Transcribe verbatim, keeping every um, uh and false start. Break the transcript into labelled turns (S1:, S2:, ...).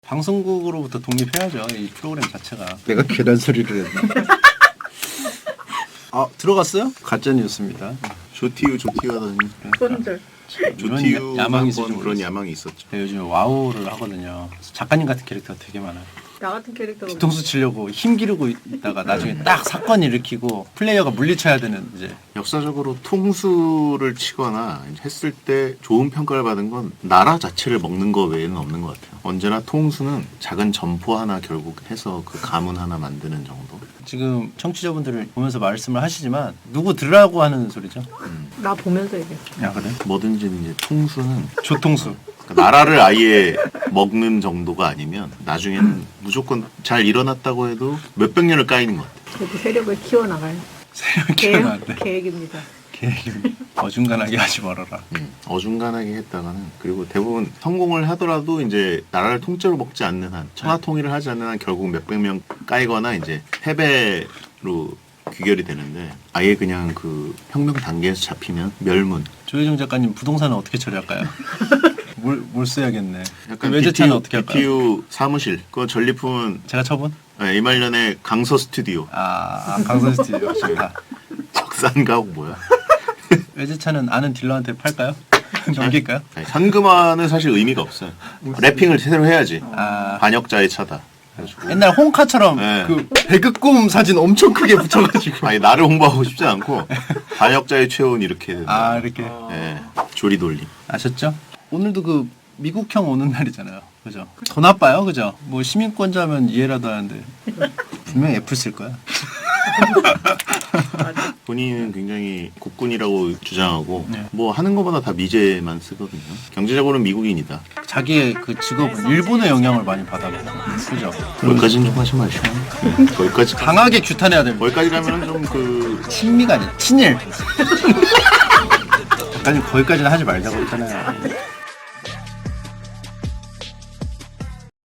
S1: 방송국으로부터 독립해야죠. 이 프로그램 자체가.
S2: 내가 괜한 소리를 했나?
S1: 아 들어갔어요? 가짜 뉴스입니다.
S3: 조티우 조티우 하더니
S4: 손절.
S3: 조티우
S1: 야망이
S3: 한번
S1: 있으신
S3: 그런 야망이 있었죠.
S1: 제가 요즘에 와우를 하거든요. 작가님 같은 캐릭터가 되게 많아요.
S4: 나 같은 캐릭터가
S1: 뒤통수 치려고 힘 기르고 있다가 나중에 딱 사건 일으키고 플레이어가 물리쳐야 되는 이제.
S3: 역사적으로 통수를 치거나 했을 때 좋은 평가를 받은 건 나라 자체를 먹는 거 외에는 없는 것 같아요. 언제나 통수는 작은 점포 하나 결국 해서 그 가문 하나 만드는 정도.
S1: 지금 청취자분들을 보면서 말씀을 하시지만 누구 들으라고 하는 소리죠?
S4: 나 보면서 얘기해.
S1: 야 그래?
S3: 뭐든지 이제 통수는
S1: 조통수.
S3: 그러니까 나라를 아예 먹는 정도가 아니면 나중에는 무조건 잘 일어났다고 해도 몇백 년을 까이는 것 같아요.
S4: 그래도 세력을 키워나갈
S1: 새로운
S4: 계획,
S1: 키워나는데
S4: 계획입니다.
S1: 계획입니다. 어중간하게 하지 말아라.
S3: 음, 어중간하게 했다가는 그리고 대부분 성공을 하더라도 이제 나라를 통째로 먹지 않는 한 천하 통일을 하지 않는 한 결국 몇백 명 까이거나 이제 패배로 귀결이 되는데 아예 그냥 그 혁명 단계에서 잡히면 멸문.
S1: 조혜정 작가님 부동산은 어떻게 처리할까요? 뭘, 뭘 써야겠네.
S3: 약간
S1: 외제차는 어떻게 할까요?
S3: 비티유 사무실 그 전리품은
S1: 제가 처분?
S3: 네, 이말년의 강서 스튜디오.
S1: 아, 아 강선 스튜디오 좋다.
S3: 적산가옥 뭐야?
S1: 외제차는 아는 딜러한테 팔까요? 넘길까요?
S3: 아니, 현금화는 사실 의미가 없어요. 래핑을 제대로 해야지.
S1: 아,
S3: 반역자의 차다. 그래가지고
S1: 옛날 홍카처럼
S3: 네.
S1: 그 배그꿈 사진 엄청 크게 붙여가지고.
S3: 아니 나를 홍보하고 싶지 않고 반역자의 최후는 이렇게 된다.
S1: 아 이렇게
S3: 예, 조리 돌림.
S1: 아셨죠? 오늘도 그 미국형 오는 날이잖아요. 그죠? 더 나빠요, 그죠? 뭐 시민권자면 이해라도 하는데 분명히 애플 쓸 거야.
S3: 본인은 굉장히 국군이라고 주장하고
S1: 네.
S3: 뭐 하는 것보다 다 미제만 쓰거든요. 경제적으로는 미국인이다.
S1: 자기의 그 직업은 일본의 영향을 많이 받아가고, 그죠?
S3: 거기까지는 좀 하지 마시고. 네, 거기까지
S1: 강하게 규탄해야 됩니다.
S3: 거기까지 가면은 좀 그
S1: 친미가 아니라 친일. 작가님 거기까지는 하지 말자고 했잖아요.